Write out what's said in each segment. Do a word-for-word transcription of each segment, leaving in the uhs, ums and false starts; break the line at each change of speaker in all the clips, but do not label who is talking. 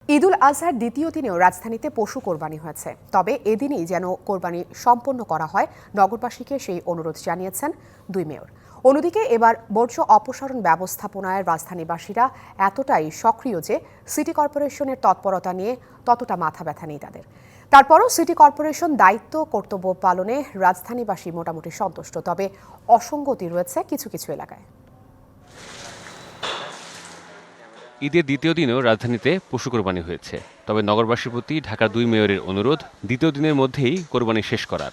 ঈদুল আজহার দ্বিতীয় দিনেও রাজধানীতে পশু কোরবানি হয়েছে। তবে এদিনই যেন কোরবানি সম্পন্ন করা হয়, নগরবাসীকে সেই অনুরোধ জানিয়েছেন দুই মেয়র। অন্যদিকে এবার বর্জ্য অপসারণ ব্যবস্থাপনায় রাজধানীবাসীরা এতটাই সক্রিয় যে সিটি কর্পোরেশনের তৎপরতা নিয়ে ততটা মাথা ব্যথা নেই তাদের। তারপরও সিটি কর্পোরেশন দায়িত্ব কর্তব্য পালনে রাজধানীবাসী মোটামুটি সন্তুষ্ট, তবে অসঙ্গতি রয়েছে কিছু কিছু এলাকায়।
ঈদের দ্বিতীয় দিনেও রাজধানীতে পশু কোরবানি হয়েছে। তবে নগরবাসীর প্রতি ঢাকার দুই মেয়রের অনুরোধ দ্বিতীয় দিনের মধ্যেই কোরবানি শেষ করার।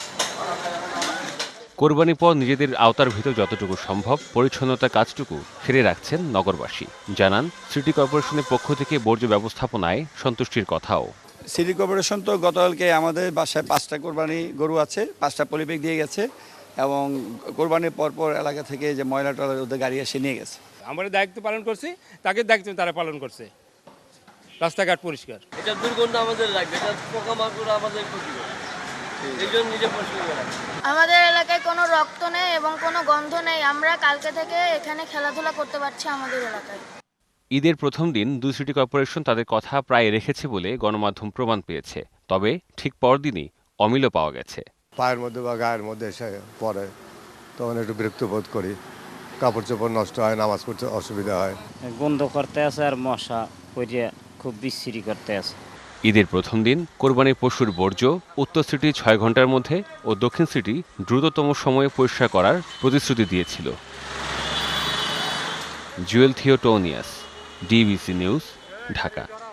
কোরবানির পর নিজেদের আওতার ভিতর যতটুকু সম্ভব পরিচ্ছন্নতার কাজটুকু সেরে রাখছেন নগরবাসী। জানান, সিটি কর্পোরেশনের পক্ষ থেকে বর্জ্য ব্যবস্থাপনায় সন্তুষ্টির কথাও।
সিটি কর্পোরেশন তো গতকালকে আমাদের বাসায় পাঁচটা কোরবানি গরু আছে, পাঁচটা পলিব্যাগ দিয়ে গেছে এবং কোরবানির পরপর এলাকা থেকে যে ময়লা টয়লা ওদের গাড়ি এসে নিয়ে গেছে।
আমরা দায়িত্ব পালন করছি, তাকে দায়িত্ব তারা পালন করছে। রাস্তাঘাট পরিষ্কার।
এটা দুর্গন্ধ আমাদের লাগবে, এটা পোকামাকড় আমাদের ক্ষতি করে, এই জন্য নিজে পরিষ্কার করা।
আমাদের এলাকায় কোনো রক্ত নেই এবং কোনো গন্ধ নেই। আমরা কালকে থেকে এখানে খেলাধুলা করতে পারছি আমাদের এলাকায়।
ঈদের প্রথম দিন দুই সিটি কর্পোরেশন তাদের কথা প্রায় রেখেছে বলে গণমাধ্যম প্রমাণ পেয়েছে। তবে ঠিক পরদিনই অমিলও পাওয়া গেছে।
পায়ের মধ্যে বা গায়ের মধ্যে এসে পড়ে, তখন একটু বিরক্ত বোধ করি। কাপড় চোপড় নষ্ট হয়, নামাজ পড়তে অসুবিধা হয়।
গন্ধ করতে আছে আর মশা পড়ে খুব বিশ্রী করতে আছে।
ঈদের প্রথম দিন কোরবানির পশুর বর্জ্য উত্তর সিটি ছয় ঘন্টার মধ্যে ও দক্ষিণ সিটি দ্রুততম সময়ে পরিষ্কার করার প্রতিশ্রুতি দিয়েছিল। Jewel Theotonius, DBC news, Dhaka.